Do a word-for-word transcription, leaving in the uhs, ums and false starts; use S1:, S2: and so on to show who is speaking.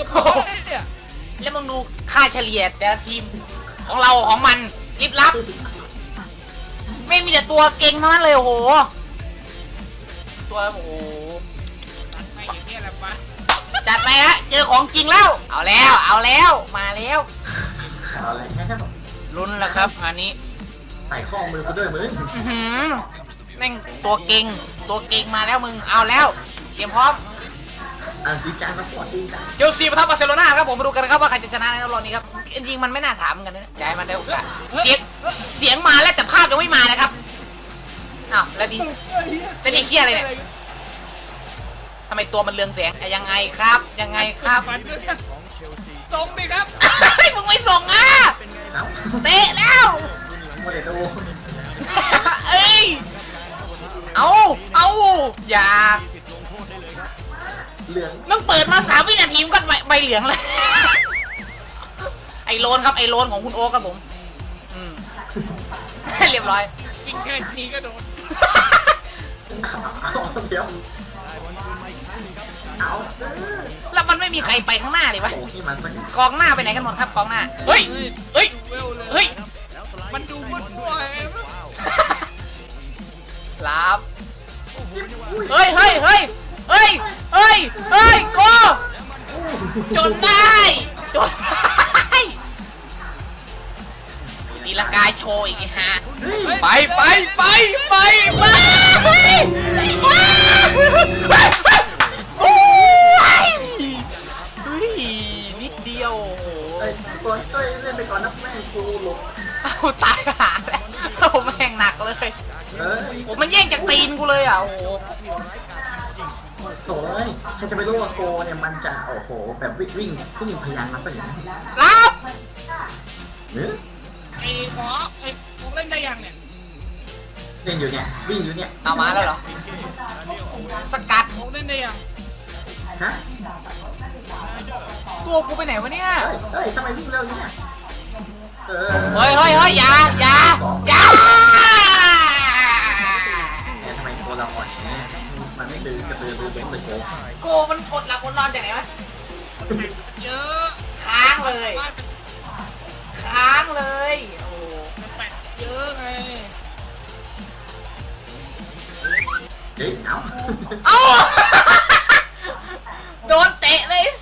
S1: เนี่ย
S2: แล้วมึงดูค่าเฉลี่ยแต่ละทีมของเราของมันลิบลับไม่มีแต่ตัวเก่งเท่านั้นเลยโอ้โหตัวโอ้โห
S1: ตัดไปอย่างเงี้ยแหละปะ
S2: จัดไปฮะเจอของจริงแล้วเอาแล้วเอาแล้วมาแล้ว
S3: เอาอะไรแค่แค่แบบ
S2: ลุ้นแล้วครับอันนี้
S3: ใส่ข้อมือซะด้วยมึง
S2: อื้อหือแม่งตัวเก่งตัวเก่งมาแล้วมึงเอาแล้วเตรียมพร้อม
S3: อ่านจีจานมาปวดจีจาน
S2: เชลซีปะทะบาร์เซโลนาครับผมมาดูกันครับว่าใครจะชนะในรอบนี้ครับจริงๆมันไม่น่าถามกันนะใจมันได้โอกาสเสียงเสียงมาแล้วแต่ภาพยังไม่มานะครับอ้าวแล้วดีเซนเชียอะไรเนี่ยทำไมตัวมันเรืองแสงอะยังไงครับยังไงครับ
S1: ฟันด้วยส่งดิครับ
S2: เฮ้ยมึงไม่ส่งอ่ะ
S3: เอ้า
S2: เตะแล้ว
S3: โมเดลโต
S2: เอ้ยเอาเอาอย่า
S3: เหลือง
S2: มึงเปิดมาสามวินาทีมันก็ใบใบเหลืองเลยไอโลนครับไอโลนของคุณโอ๊คครับผมอืมเรียบร้อย
S1: วิ่งแค่นี้ก็โดน
S3: เอาเดี๋ยวเอา
S2: แล้วมันไม่มีใครไปข้างหน้าเลยวะ
S3: โอ้ที่มันสัก
S2: กองหน้าไปไหนกันหมดครับกองหน้าเฮ้ยเฮ้ย
S1: เวลเลย
S2: เฮ้ย
S1: มันดูมั่วๆไง
S2: ลาบเฮ้ยเฮ้ยเฮ้ยเฮ้ยเฮ้ยเฮ้ยโกจนได้จนได้ตีละกายโชว์อีกฮะไปไปไปไปไปโอ้ยเฮ้ยนิดเดียวโอ้โห
S3: เอ้ยตัวเอ้ยเล่นไปก่อนนะแม่งกูหลบ
S2: เอาตายหาแล้วเอาแม่งหนักเลย
S3: เออ
S2: โอ้มันแย่งจากตีนกูเลยอ่ะโอ้โห
S3: โถ่เอ้ยใครจะไปรู้ว่าโกเนี่ยมันจะโอ้โหแบบวิ่งวิ่งวิ่งพยานมาซะอย่างนี้
S2: รับ
S3: เนื้อ
S1: ไอ้หมอไอ้พวกเล่นได้ยังเนี่ย
S3: เล่นอยู่เนี่ยวิ่งอยู่เนี่ย
S2: เอามาแล้วเหรอสกัด
S1: พวกเล่นได้ยัง
S3: ฮะ
S2: ตัวกูไปไหนวะเนี่ย
S3: เฮ้ยเฮ้ยทำไมวิ่งเร็วอย่างเนี่ยเออ
S2: เฮ้ยเฮ้ยเฮ้ยอย่าอย่าอย่า
S3: เนี่ยทำไมตัวเราอ่อนอย่างนี้มันไม่ดื้อกระตือรือร้นเลยโก
S2: โกมันกดหลับกดนอนจากไหนวะ
S1: เยอะ
S2: ค้างเลย
S1: บ้านเป็น
S2: ค้างเลยโอ้
S1: แปดเยอะไง
S3: เฮ้ยเอ้า
S2: เอ้าโดนเตะเลย